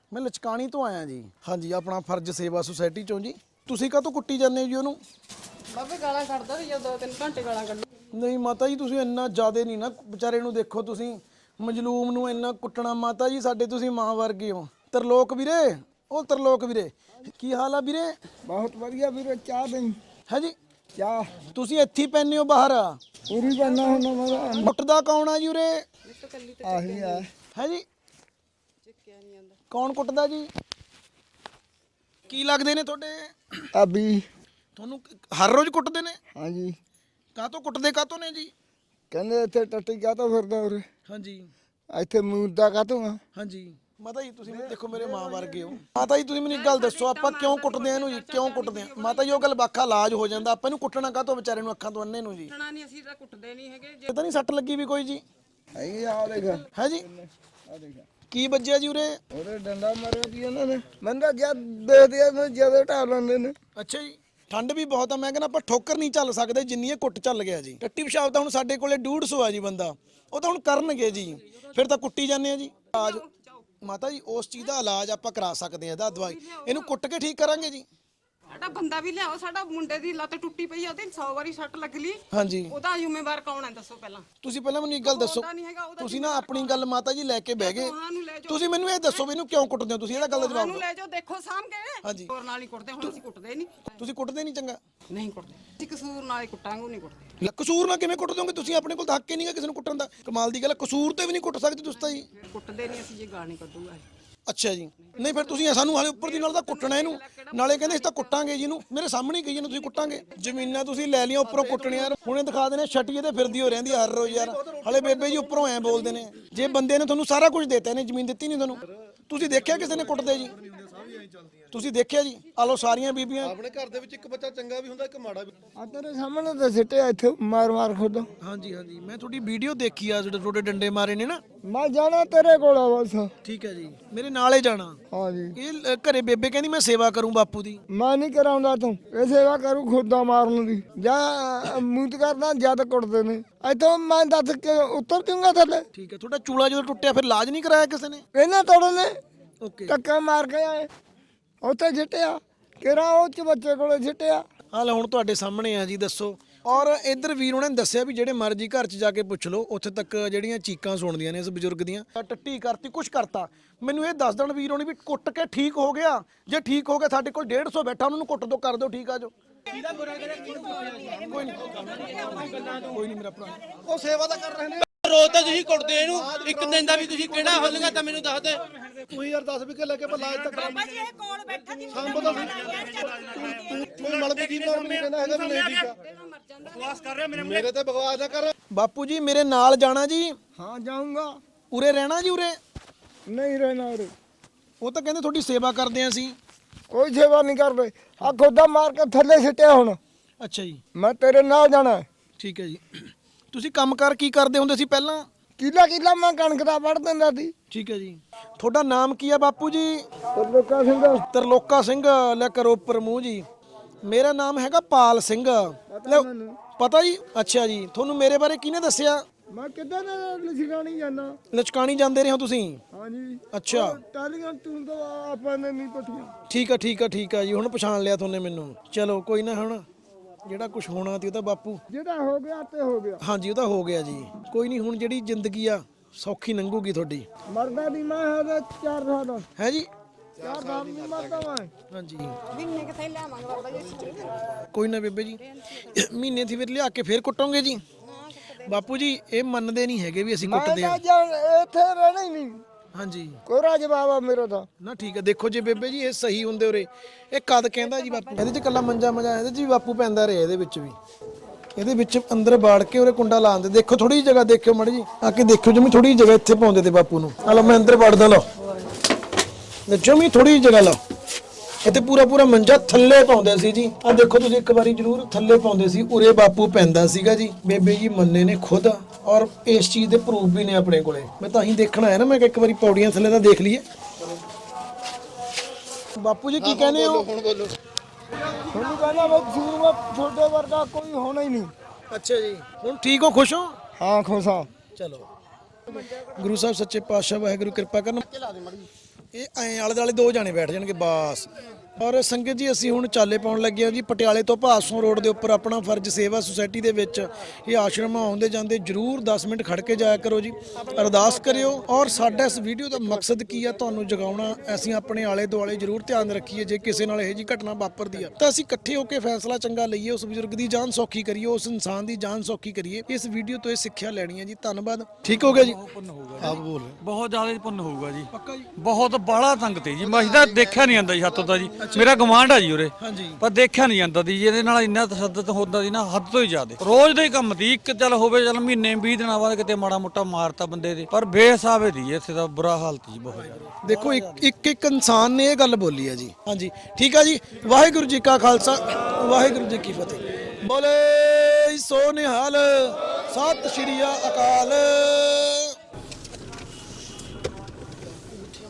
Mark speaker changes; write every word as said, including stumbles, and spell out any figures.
Speaker 1: मैं लचकानी तो आया जी। हाँ जी, अपना फर्ज सेवा सोसाइटी चों जी। तुसी काहतों कुट्टी जाने जी ओनू?
Speaker 2: बाबे गालां कढदा सी दो तीन घंटे गालां कढी।
Speaker 1: नहीं माता जी, तुसी इन्ना ज़्यादा नहीं ना बेचारे नू देखो, तुसी मजलूम नू इन्ना कुट्टना। माता जी साडे तुसी मां वर्गे हो। तरलोक वीरे, ओ तरलोक वीरे, की हाल आ वीरे?
Speaker 3: बहुत बढ़िया वीरे, चाह दें
Speaker 1: है जी?
Speaker 3: चाह
Speaker 1: तुसी इत्थे ही पैने हो बाहर?
Speaker 3: पूरी बनना होना मेरा
Speaker 1: कुट्टदा कौन आ जी उरे?
Speaker 3: आही है।
Speaker 1: है जी? कौन कुट्टदा जी? की लगदे ने तुहाडे?
Speaker 3: अभी
Speaker 1: ਤੁਹਾਨੂੰ ਹਰ ਰੋਜ਼ ਕੁੱਟਦੇ ਨੇ?
Speaker 3: ਹਾਂਜੀ
Speaker 1: ਕਾਹਤੋਂ ਕੁੱਟਦੇ ਕਾਹਤੋਂ ਨੇ ਜੀ?
Speaker 3: ਕਹਿੰਦੇ ਇੱਥੇ ਟੱਟੀ ਕਾਹਤੋਂ ਫਿਰਦਾ ਉਰੇ,
Speaker 1: ਹਾਂਜੀ
Speaker 3: ਇੱਥੇ ਮੂਦਾ ਕਾਹਤੋਂ ਆ।
Speaker 1: ਹਾਂਜੀ ਮਾਤਾ ਜੀ, ਤੁਸੀਂ ਦੇਖੋ ਮੇਰੇ ਮਾਂ ਵਰਗੇ ਹੋ। ਮਾਤਾ ਜੀ ਤੁਸੀਂ ਮੈਨੂੰ ਇੱਕ ਗੱਲ ਦੱਸੋ, ਆਪਾਂ ਕਿਉਂ ਕੁੱਟਦੇ ਆ ਇਹਨੂੰ ਜੀ? ਕਿਉਂ ਕੁੱਟਦੇ ਆ ਮਾਤਾ ਜੀ? ਉਹ ਗੱਲ ਬਾਖਾ ਇਲਾਜ ਹੋ ਜਾਂਦਾ, ਆਪਾਂ ਇਹਨੂੰ ਕੁੱਟਣਾ ਕਾਹਤੋਂ ਵਿਚਾਰੇ ਨੂੰ, ਅੱਖਾਂ ਤੋਂ ਅੰਨੇ ਨੂੰ ਜੀ?
Speaker 2: ਕੁੱਟਣਾ ਨਹੀਂ, ਅਸੀਂ ਤਾਂ ਕੁੱਟਦੇ ਨਹੀਂ ਹੈਗੇ।
Speaker 1: ਇਹ ਤਾਂ ਨਹੀਂ ਸੱਟ ਲੱਗੀ ਵੀ ਕੋਈ ਜੀ?
Speaker 3: ਇਹ ਆ ਦੇਖ
Speaker 1: ਹੈ ਜੀ?
Speaker 3: ਆ ਦੇਖ
Speaker 1: ਕੀ ਵੱਜਿਆ ਜੀ ਉਰੇ?
Speaker 3: ਉਹਦੇ ਡੰਡਾ ਮਾਰਿਆ ਜੀ ਇਹਨਾਂ ਨੇ। ਬੰਦਾ ਜਦ ਦੇਖਦੇ ਆ ਜਦੋਂ ਢਾ ਲੈਂਦੇ ਨੇ।
Speaker 1: ਅੱਛਾ ਜੀ, ਠੰਡ ਵੀ ਬਹੁਤ ਆ। ਮੈਂ ਕਹਿੰਦਾ ਆਪਾਂ ਠੋਕਰ ਨਹੀਂ ਚੱਲ ਸਕਦੇ ਜਿੰਨੀ ਇਹ ਕੁੱਟ ਚੱਲ ਗਿਆ ਜੀ। ਟੱਟੀ ਪਿਸ਼ਾਬ ਤਾਂ ਹੁਣ ਸਾਡੇ ਕੋਲੇ ਡੇਢ ਸੌ ਆ ਜੀ ਬੰਦਾ, ਉਹ ਤਾਂ ਹੁਣ ਕਰਨਗੇ ਜੀ, ਫਿਰ ਤਾਂ ਕੁੱਟੀ ਜਾਂਦੇ ਆ ਜੀ। ਇਲਾਜ ਮਾਤਾ ਜੀ ਉਸ ਚੀਜ਼ ਦਾ ਇਲਾਜ ਆਪਾਂ ਕਰਾ ਸਕਦੇ ਆ, ਇਹਦਾ ਦਵਾਈ ਇਹਨੂੰ ਕੁੱਟ ਕੇ ਠੀਕ ਕਰਾਂਗੇ ਜੀ।
Speaker 2: ਸਾਡਾ ਬੰਦਾ ਵੀ ਲਿਆਓ, ਸਾਡਾ ਮੁੰਡੇ ਦੀ ਲੱਤ ਟੁੱਟੀ ਪਈ ਆ, ਉਹਦੇ ਸੌ ਵਾਰੀ ਸੱਟ ਲੱਗ ਲਈ।
Speaker 1: ਹਾਂਜੀ,
Speaker 2: ਉਹਦਾ ਜ਼ਿੰਮੇਵਾਰ ਕੌਣ ਹੈ ਦੱਸੋ ਪਹਿਲਾਂ?
Speaker 1: ਤੁਸੀਂ ਪਹਿਲਾਂ ਮੈਨੂੰ ਇੱਕ ਗੱਲ ਦੱਸੋ,
Speaker 2: ਉਹਦਾ ਨਹੀਂ ਹੈਗਾ, ਉਹਦਾ
Speaker 1: ਤੁਸੀਂ ਨਾ ਆਪਣੀ ਗੱਲ ਮਾਤਾ ਜੀ ਲੈ ਕੇ ਬਹਿ ਗਏ।
Speaker 2: ਤੁਹਾਨੂੰ ਲੈ ਜਾਓ,
Speaker 1: ਤੁਸੀਂ ਮੈਨੂੰ ਇਹ ਦੱਸੋ ਵੀ ਇਹਨੂੰ ਕਿਉਂ ਕੁੱਟਦੇ ਹੋ ਤੁਸੀਂ? ਇਹਦਾ ਗੱਲ ਦਾ ਜਵਾਬ
Speaker 2: ਸਾਨੂੰ
Speaker 1: ਦਿਓ।
Speaker 2: ਲੈ ਜਾਓ, ਦੇਖੋ ਸਾਹਮਣੇ।
Speaker 1: ਹਾਂਜੀ,
Speaker 2: ਹੋਰ ਨਾਲ ਹੀ ਕੁੱਟਦੇ, ਹੁਣ ਅਸੀਂ ਕੁੱਟਦੇ ਨਹੀਂ।
Speaker 1: ਤੁਸੀਂ ਕੁੱਟਦੇ ਨਹੀਂ ਚੰਗਾ?
Speaker 2: ਨਹੀਂ ਕੁੱਟਦੇ ਅਸੀਂ, ਕਸੂਰ ਨਾਲ ਹੀ ਕੁੱਟਾਂਗੇ, ਉਹ ਨਹੀਂ ਕੁੱਟਦੇ।
Speaker 1: ਲੈ ਕਸੂਰ ਨਾਲ ਕਿਵੇਂ ਕੁੱਟ ਦੋਗੇ ਤੁਸੀਂ? ਆਪਣੇ ਕੋਲ ਤਾਂ ਹੱਕ ਹੀ ਨਹੀਂਗਾ ਕਿਸੇ ਨੂੰ ਕੁੱਟਣ ਦਾ। ਕਮਾਲ ਦੀ ਗੱਲ, ਕਸੂਰ ਤੇ ਵੀ ਨਹੀਂ ਕੁੱਟ ਸਕਦੇ ਤੁਸੀਂ ਤਾਂ ਜੀ।
Speaker 2: ਫਿਰ ਕੁੱਟਦੇ ਨਹੀਂ ਅਸੀਂ, ਜੇ ਗਾਣੇ ਕੱਢੂਗਾ।
Speaker 1: ਅੱਛਾ ਜੀ, ਨਹੀਂ ਫਿਰ ਤੁਸੀਂ ਸਾਨੂੰ ਹਾਲੇ ਉੱਪਰ ਦੀ ਨਾਲ ਤਾਂ ਕੁੱਟਣਾ ਇਹਨੂੰ, ਨਾਲੇ ਕਹਿੰਦੇ ਅਸੀਂ ਤਾਂ ਕੁੱਟਾਂਗੇ ਜੀ ਇਹਨੂੰ। ਮੇਰੇ ਸਾਹਮਣੇ ਹੀ ਕਹੀ ਜਾਂਦੇ ਤੁਸੀਂ ਕੁੱਟਾਂਗੇ। ਜ਼ਮੀਨਾਂ ਤੁਸੀਂ ਲੈ ਲਈਆਂ, ਉੱਪਰੋਂ ਕੁੱਟਣੀਆਂ। ਹੁਣੇ ਦਿਖਾ ਦੇਣੇ ਛੱਟੀਏ ਤੇ ਫਿਰਦੀ ਹੋ ਰਹਿੰਦੀ ਹਰ ਰੋਜ਼ ਯਾਰ। ਹਲੇ ਬੇਬੇ ਜੀ ਉੱਪਰੋਂ ਐ ਬੋਲਦੇ ਨੇ, ਜੇ ਬੰਦੇ ਨੇ ਤੁਹਾਨੂੰ ਸਾਰਾ ਕੁਝ ਦਿੱਤਾ, ਇਹਨੇ ਜ਼ਮੀਨ ਦਿੱਤੀ ਨਹੀਂ ਤੁਹਾਨੂੰ। ਤੁਸੀਂ ਦੇਖਿਆ ਕਿਸੇ ਨੇ ਕੁੱਟਦੇ ਜੀ? ਤੁਸੀਂ ਦੇਖਿਆ ਜੀ? ਆ ਲੋ ਸਾਰੀਆਂ ਬੀਬੀਆਂ।
Speaker 4: ਆਪਣੇ ਘਰ ਦੇ ਵਿੱਚ ਇੱਕ ਬੱਚਾ ਚੰਗਾ ਵੀ ਹੁੰਦਾ, ਇੱਕ ਮਾੜਾ ਵੀ।
Speaker 3: ਆ ਤੇਰੇ ਸਾਹਮਣੇ ਤਾਂ ਸਿੱਟਿਆ ਇੱਥੇ ਮਾਰ ਮਾਰ ਖੁਦ।
Speaker 1: ਹਾਂਜੀ ਹਾਂਜੀ, ਮੈਂ ਤੁਹਾਡੀ ਵੀਡੀਓ ਦੇਖੀ ਆ, ਜਿਹੜੇ ਤੁਹਾਡੇ ਡੰਡੇ ਮਾਰੇ ਨੇ ਨਾ।
Speaker 3: ਮੈਂ ਜਾਣਾ ਤੇਰੇ ਕੋਲ ਆ ਬਸ।
Speaker 1: ਠੀਕ ਹੈ ਜੀ, ਮੇਰੇ ਨਾਲ ਹੀ ਜਾਣਾ।
Speaker 3: ਹਾਂਜੀ
Speaker 1: ਇਹ ਅ, ਘਰੇ ਬੇਬੇ ਕਹਿੰਦੀ ਮੈਂ ਸੇਵਾ ਕਰੂੰ ਬਾਪੂ ਦੀ।
Speaker 3: ਮੈਂ ਨਹੀਂ ਕਰਾਉਂਦਾ ਤੂੰ ਇਹ ਸੇਵਾ ਕਰੂ ਖੁਦਾ ਮਾਰਨ ਦੀ, ਜਾਂ ਮੂਤ ਕਰਦਾ ਜਦ ਕੁੱਟਦੇ ਨੇ। ਇੱਥੋਂ ਮੈਂ ਦੱਸ ਕੇ ਉੱਤਰ ਜੂੰਗਾ ਥੱਲੇ।
Speaker 1: ਠੀਕ ਹੈ, ਤੁਹਾਡਾ ਚੂਲਾ ਜਦੋਂ ਟੁੱਟਿਆ ਫਿਰ ਇਲਾਜ ਨਹੀਂ ਕਰਾਇਆ ਕਿਸੇ ਨੇ?
Speaker 3: ਇਹਨਾਂ ਤੋੜਨ ਨੇ
Speaker 1: ਓਕੇ,
Speaker 3: ਟੱਕਾ ਮਾਰ ਕੇ ਆਏ, ਉੱਥੇ ਛਿੱਟਿਆ ਕਿਹੜਾ ਉਹ ਚ ਬੱਚੇ ਕੋਲੇ ਛਿੱਟਿਆ।
Speaker 1: ਹਾਂ ਲੈ ਹੁਣ ਤੁਹਾਡੇ ਸਾਹਮਣੇ ਆ ਜੀ, ਦੱਸੋ। ਔਰ ਇੱਧਰ ਵੀਰ ਉਹਨਾਂ ਨੇ ਦੱਸਿਆ ਵੀ ਜਿਹੜੇ ਮਰਜ਼ੀ ਘਰ 'ਚ ਜਾ ਕੇ ਪੁੱਛ ਲਓ, ਉੱਥੇ ਤੱਕ ਜਿਹੜੀਆਂ ਚੀਕਾਂ ਸੁਣਦੀਆਂ ਨੇ ਇਸ ਬਜ਼ੁਰਗ ਦੀਆਂ। ਟੱਟੀ ਕਰਤੀ, ਕੁਛ ਕਰਤਾ। ਮੈਨੂੰ ਇਹ ਦੱਸ ਦੇਣ ਵੀਰ ਹੋਣੀ ਵੀ ਕੁੱਟ ਕੇ ਠੀਕ ਹੋ ਗਿਆ। ਜੇ ਠੀਕ ਹੋ ਗਿਆ, ਸਾਡੇ ਕੋਲ ਡੇਢ ਸੌ ਬੈਠਾ, ਉਹਨਾਂ ਨੂੰ ਕੁੱਟ ਦੋ, ਕਰ ਦਿਓ ਠੀਕ ਆ ਜੋ। ਕੋਈ ਨਹੀਂ, ਕੋਈ ਨਹੀਂ ਮੇਰਾ ਭਰਾ,
Speaker 4: ਉਹ ਸੇਵਾ ਤਾਂ ਕਰ ਰਹੇ ਨੇ।
Speaker 5: ਰੋਜ਼ ਤਾਂ ਤੁਸੀਂ ਕੁੱਟਦੇ ਇਹਨੂੰ, ਇੱਕ ਦਿਨ ਦਾ ਵੀ ਤੁਸੀਂ ਕਿਹੜਾ ਹੱਲਗਾ ਤਾਂ ਮੈਨੂੰ ਦੱਸ ਦੇ।
Speaker 4: ਤੂੰ ਯਾਰ ਦਸ ਵੀ ਕੇ ਲੈ ਕੇ ਆਪਾਂ ਇਲਾਜ ਤਾਂ ਕਰਾਂਗੇ।
Speaker 6: ਬਾਬਾ ਜੀ ਇਹ ਕੋਲ ਬੈਠਾ ਸੀ,
Speaker 4: ਸਾਨੂੰ ਪਤਾ ਸੀ ਤੂੰ ਮਲ ਵੀ ਜੀਵ ਨਾਲ ਨਹੀਂ ਕਹਿੰਦਾ ਹੈਗਾ ਵੀ ਨਹੀਂ ਠੀਕ ਆ। ਬਕਵਾਸ ਕਰ ਰਿਹਾ ਮੇਰੇ ਮੇਰੇ ਤੇ ਬਕਵਾਸ ਨਾ ਕਰ।
Speaker 1: ਬਾਪੂ ਜੀ ਮੇਰੇ ਨਾਲ ਜਾਣਾ ਜੀ?
Speaker 3: ਹਾਂ ਜਾਊਂਗਾ।
Speaker 1: ਉਰੇ ਰਹਿਣਾ ਜੀ? ਉਰੇ
Speaker 3: ਨਹੀਂ ਰਹਿਣਾ ਉਰੇ।
Speaker 1: ਉਹ ਤਾਂ ਕਹਿੰਦੇ ਤੁਹਾਡੀ ਸੇਵਾ ਕਰਦੇ ਆਂ ਅਸੀਂ।
Speaker 3: ਕੋਈ ਸੇਵਾ ਨਹੀਂ ਕਰਦੇ, ਆ ਖੁਦਾ ਮਾਰ ਕੇ ਥੱਲੇ ਸਿੱਟਿਆ ਹੁਣ।
Speaker 1: ਅੱਛਾ ਜੀ,
Speaker 3: ਮੈਂ ਤੇਰੇ ਨਾਲ ਜਾਣਾ।
Speaker 1: ਠੀਕ ਹੈ ਜੀ। ਤੁਸੀਂ ਕੰਮਕਾਰ ਕੀ ਕਰਦੇ ਹੁੰਦੇ ਸੀ ਪਹਿਲਾਂ?
Speaker 3: ਕਿੱਲਾ ਕਿੱਲਾ ਮੈਂ ਕਣਕ ਦਾ ਵੜ ਦਿੰਦਾ ਸੀ।
Speaker 1: ਠੀਕ ਹੈ ਜੀ। ਤੁਹਾਡਾ ਨਾਮ ਕੀ ਆ ਬਾਪੂ ਜੀ?
Speaker 3: ਤਰਲੋਕਾ ਸਿੰਘ।
Speaker 1: ਤਰਲੋਕਾ ਸਿੰਘ, ਲੈ ਕਰੋ ਉੱਪਰ ਮੂੰਹ ਜੀ। ਮੇਰਾ ਨਾਮ ਹੈਗਾ ਪਾਲ ਸਿੰਘ। ਲੈ, ਪਤਾ ਜੀ? ਅੱਛਾ ਜੀ, ਤੁਹਾਨੂੰ ਮੇਰੇ ਬਾਰੇ ਕਿਹਨੇ ਦੱਸਿਆ?
Speaker 3: ਮੈਂ ਕਿੱਦਾਂ ਨਾ ਲਿਖਾਣੀ ਜਾਣਾ।
Speaker 1: ਲਚਕਾਣੀ ਜਾਂਦੇ ਰਹੇ ਹੋ ਤੁਸੀਂ?
Speaker 3: ਹਾਂਜੀ।
Speaker 1: ਅੱਛਾ,
Speaker 3: ਟਾਲੀਆਂ ਤੂੰ ਤਾਂ ਆਪਾਂ ਨੇ ਨਹੀਂ ਪਟੀਆਂ।
Speaker 1: ਠੀਕ ਆ ਠੀਕ ਆ ਠੀਕ ਆ ਜੀ, ਹੁਣ ਪਛਾਣ ਲਿਆ ਤੁਹਾਨੇ ਮੈਨੂੰ। ਚਲੋ ਕੋਈ ਨਾ, ਹੁਣ ਜਿਹੜਾ ਕੁਝ ਹੋਣਾ ਸੀ ਉਹ ਤਾਂ ਬਾਪੂ।
Speaker 3: ਜਿਹੜਾ ਹੋ ਗਿਆ ਤੇ ਹੋ ਗਿਆ।
Speaker 1: ਹਾਂਜੀ ਉਹ ਤਾਂ ਹੋ ਗਿਆ ਜੀ, ਕੋਈ ਨਹੀਂ। ਹੁਣ ਜਿਹੜੀ ਜ਼ਿੰਦਗੀ ਆ ਸੌਖੀ ਲੰਘੂਗੀ ਤੁਹਾਡੀ।
Speaker 3: ਮਰਦਾ ਦੀ ਮੈਂ ਹੈ ਚਾਰ ਸਾਲ।
Speaker 1: ਹੈ ਜੀ?
Speaker 3: ਚਾਰ ਸਾਲ ਨਹੀਂ ਮਰਦਾ ਮੈਂ।
Speaker 1: ਹਾਂਜੀ,
Speaker 2: ਮਹੀਨੇ ਕਿਥੇ ਲਿਆਵਾਂਗੇ ਬਾਬਾ ਜੀ?
Speaker 1: ਕੋਈ ਨਾ ਬੇਬੇ ਜੀ, ਮਹੀਨੇ ਦੀ ਫਿਰ ਲਿਆ ਕੇ ਫੇਰ ਕੁੱਟੋਗੇ ਜੀ? ਬਾਪੂ ਜੀ ਇਹ ਮੰਨਦੇ ਨਹੀਂ ਹੈਗੇ ਵੀ ਅਸੀਂ ਕੁੱਟਦੇ
Speaker 3: ਮੈਂ
Speaker 1: ਆ।
Speaker 3: ਤਾਂ ਇੱਥੇ ਰਹਿਣਾ ਹੀ ਨਹੀਂ।
Speaker 1: ਹਾਂਜੀ,
Speaker 3: ਕੋਰਾ ਜਵਾਬ ਆ ਮੇਰਾ ਤਾਂ।
Speaker 1: ਨਾ ਠੀਕ ਹੈ। ਦੇਖੋ ਜੀ ਬੇਬੇ ਜੀ ਇਹ ਸਹੀ ਹੁੰਦੇ ਉਰੇ। ਇਹ ਕਦ ਕਹਿੰਦਾ ਜੀ ਬਾਪੂ? ਇਹਦੇ 'ਚ ਕੱਲਾ ਮੰਜਾ ਮਜਾ, ਇਹਦੇ 'ਚ ਵੀ ਬਾਪੂ ਪੈਂਦਾ ਰਿਹਾ। ਇਹਦੇ ਵਿੱਚ ਵੀ, ਇਹਦੇ ਵਿੱਚ ਅੰਦਰ ਬਾੜ ਕੇ ਉਰੇ ਕੁੰਡਾ ਲਾਉਂਦੇ। ਦੇਖੋ ਥੋੜੀ ਜਿਹੀ ਜਗ੍ਹਾ ਦੇਖਿਓ ਮੜੀ ਜੀ, ਆ ਕੇ ਦੇਖਿਓ ਜਮੀ ਥੋੜੀ ਜਿਹੀ ਜਗ੍ਹਾ ਇੱਥੇ ਪਾਉਂਦੇ ਤੇ ਬਾਪੂ ਨੂੰ। ਆ ਲਓ ਮੈਂ ਅੰਦਰ ਵੜਦਾ, ਲਓ ਜਮੀ ਥੋੜੀ ਜਿਹੀ ਜਗ੍ਹਾ ਲਓ। ਇੱਥੇ ਪੂਰਾ ਪੂਰਾ ਮੰਜਾ ਥੱਲੇ ਪਾਉਂਦੇ ਸੀ ਜੀ। ਆ ਦੇਖੋ ਤੁਸੀਂ ਇੱਕ ਵਾਰੀ ਜ਼ਰੂਰ ਥੱਲੇ ਪਾਉਂਦੇ ਸੀ, ਉਰੇ ਬਾਪੂ ਪੈਂਦਾ ਸੀਗਾ ਜੀ। ਬੇਬੇ ਜੀ ਮੰਨੇ ਨੇ ਖੁਦ, ਔਰ ਇਸ ਚੀਜ਼ ਦੇ ਪ੍ਰੂਫ ਵੀ ਨੇ ਆਪਣੇ ਕੋਲੇ। ਮੈਂ ਤਾਂ ਹੀ ਦੇਖਣ ਆਇਆ ਨਾ, ਮੈਂ ਕਿ ਇੱਕ ਵਾਰੀ ਪੌੜੀਆਂ ਥੱਲੇ ਤਾਂ ਦੇਖ ਲਈਏ। ਬਾਪੂ ਜੀ ਕੀ ਕਹਿੰਦੇ ਹੋ?
Speaker 4: ਹੁਣ ਬੋਲੋ।
Speaker 3: ਤੁਹਾਨੂੰ ਕਹਿੰਦਾ ਬਈ ਸੂਰਮਾ ਛੋਟੇ ਵਰਗਾ ਕੋਈ ਹੋਣਾ ਹੀ ਨਹੀਂ।
Speaker 1: ਅੱਛਾ ਜੀ, ਹੁਣ ਠੀਕ ਹੋ, ਖੁਸ਼ ਹੋ?
Speaker 3: ਹਾਂ ਖੁਸ਼ ਹਾਂ।
Speaker 1: ਚਲੋ, ਗੁਰੂ ਸਾਹਿਬ ਸੱਚੇ ਪਾਤਸ਼ਾਹ ਵਾਹਿਗੁਰੂ ਕਿਰਪਾ ਕਰਨ। ਇਹ ਐਂ ਆਲੇ ਦੁਆਲੇ ਦੋ ਜਾਣੇ ਬੈਠ ਜਾਣਗੇ ਬਸ। ਔਰ ਸੰਗਤ ਜੀ ਅਸੀਂ ਹੁਣ ਚਾਲੇ ਪਾਉਣ ਲੱਗੇ ਆ ਜੀ ਪਟਿਆਲੇ ਤੋਂ ਭਾਸੋਂ ਰੋਡ ਦੇ ਉੱਪਰ ਆਪਣਾ ਫਰਜ਼ ਸੇਵਾ ਸੁਸਾਇਟੀ ਦੇ ਵਿੱਚ ਇਹ ਆਸ਼ਰਮ ਆਉਂਦੇ ਜਾਂਦੇ ਜਰੂਰ ਦਸ ਮਿੰਟ ਖੜ ਕੇ ਜਾਇਆ ਕਰੋ ਜੀ, ਅਰਦਾਸ ਕਰਿਓ। ਔਰ ਸਾਡਾ ਇਸ ਵੀਡੀਓ ਦਾ ਮਕਸਦ ਕੀ ਆ, ਤੁਹਾਨੂੰ ਜਗਾਉਣਾ। ਅਸੀਂ ਆਪਣੇ ਆਲੇ ਦੁਆਲੇ ਜਰੂਰ ਧਿਆਨ ਰੱਖੀਏ, ਜੇ ਕਿਸੇ ਨਾਲ ਇਹੋ ਜੀ ਘਟਨਾ ਵਾਪਰਦੀ ਆ ਤਾਂ ਅਸੀਂ ਇਕੱਠੇ ਹੋ ਕੇ ਫੈਸਲਾ ਚੰਗਾ ਲਈਏ, ਉਸ ਬਜ਼ੁਰਗ ਦੀ ਜਾਨ ਸੌਖੀ ਕਰੀਏ, ਉਸ ਇਨਸਾਨ ਦੀ ਜਾਨ ਸੌਖੀ ਕਰੀਏ। ਇਸ ਵੀਡੀਓ ਤੋਂ ਇਹ ਸਿੱਖਿਆ ਲੈਣੀ ਹੈ ਜੀ। ਧੰਨਵਾਦ। ਠੀਕ ਹੋ ਗਿਆ ਜੀ, ਆਪ ਬੋਲ
Speaker 6: ਬਹੁਤ ਜ਼ਿਆਦਾ ਪੁੰਨ ਹੋਊਗਾ ਜੀ,
Speaker 1: ਪੱਕਾ ਜੀ।
Speaker 6: ਬਹੁਤ ਬਾਹਲਾ ਤੰਗ ਤੇ ਜੀ, ਮੈਂ ਤਾਂ ਦੇਖਿਆ ਨਹੀਂ ਜਾਂਦਾ ਜੀ ਹੱਥੋਂ ਦਾ ਜੀ, ਮੇਰਾ ਗਵਾਂਢ ਆ ਜੀ ਉਰੇ,
Speaker 1: ਹਾਂਜੀ
Speaker 6: ਪਰ ਦੇਖਿਆ ਨਹੀਂ ਜਾਂਦਾ ਦੀ, ਇਹਦੇ ਨਾਲ ਇੰਨਾ ਤਸ਼ੱਦਦ ਹੁੰਦਾ ਸੀ ਨਾ ਹੱਦ ਤੋਂ ਹੀ ਜ਼ਿਆਦਾ। ਰੋਜ਼ ਦੇ ਕੰਮ ਦੀ ਇੱਕ ਚੱਲ ਹੋਵੇ ਚੱਲ ਮਹੀਨੇ ਵੀਹ ਦਿਨਾਂ ਬਾਅਦ ਕਿਤੇ ਮਾੜਾ ਮੋਟਾ ਮਾਰਤਾ ਬੰਦੇ ਦੇ, ਪਰ ਬੇਹਿਸਾਬੇ ਦੀ ਇੱਥੇ ਦਾ ਬੁਰਾ ਹਾਲਤ ਜੀ ਬਹੁਤ ਜ਼ਿਆਦਾ।
Speaker 1: ਦੇਖੋ ਇੱਕ ਇੱਕ ਇੱਕ ਇਨਸਾਨ ਨੇ ਇਹ ਗੱਲ ਬੋਲੀ ਹੈ ਜੀ। ਹਾਂਜੀ ਠੀਕ ਆ ਜੀ। ਵਾਹਿਗੁਰੂ ਜੀ ਕਾ ਖਾਲਸਾ ਵਾਹਿਗੁਰੂ ਜੀ ਕੀ ਫਤਿਹ। ਬੋਲੇ ਸੋ ਨਿਹਾਲ, ਸਤਿ ਸ਼੍ਰੀ ਅਕਾਲ।